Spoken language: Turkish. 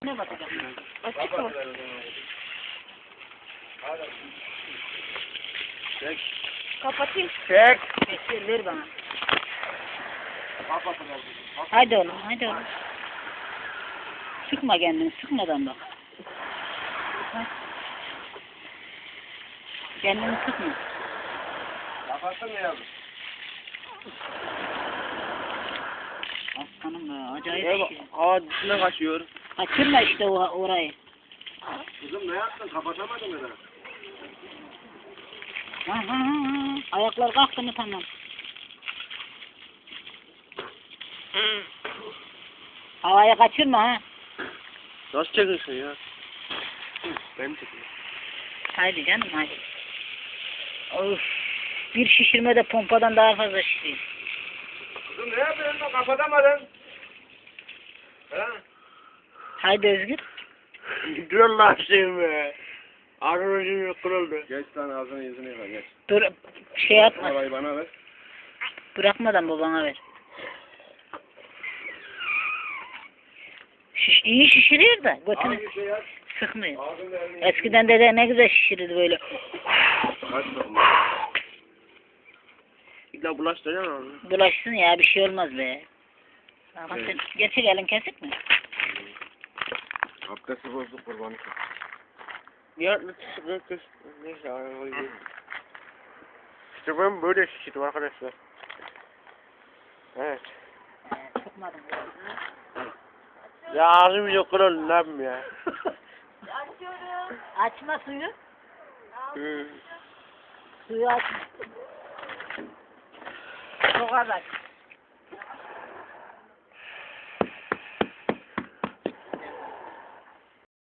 içine batacak. Açık mı? Çek. Kapatayım. Çek. Ver bana. Haydi oğlum, haydi oğlum. Sıkma kendini, sıkmadan bak. Ha. Kendini sıkma. Kapattın mı yavrum? Aslanım be, acayip Ne bak, şey. hava dışına kaçıyor. Kaçırma işte orayı. Kızım ne yaptın? Kapatamadın mı? Ha. Ayaklar kalktı mı tamam. Havaya kaçırma ha. Nasıl çekiyorsun ya? Ben çekeyim. Haydi canım haydi. Of. Bir şişirme de pompadan daha fazla şişiriyor. Kızım ne yapıyorsun? Kapatamadın. Ha? Haydi Özgür. Dur Allah aşkına be. Ağzım kırıldı. Geç lan ağzını yüzünü yıka geç. Dur şey yapma. Parayı bana ver. Bırakmadan babana ver. İyi şişiriyor da götünü Hangi şey yap? sıkmıyor. Ağzını elini. Eskiden dede ne güzel şişirirdi böyle. Kaç bakma. İlla bulaştıracaksın ağzını. Bulaşsın ya bir şey olmaz be. Ama Evet. sen gerçek elin kesik mi? Abdesti bozduk kurbanı. Ya kız. Neyse arabayı. İşte ben böyle şişirdim arkadaşlar. Evet. Sıkmadım. Ya ağzım yok kırıldı ne yapayım ya. Açıyorum. Açma suyu. Hı. Suyu açma. Çok az aç.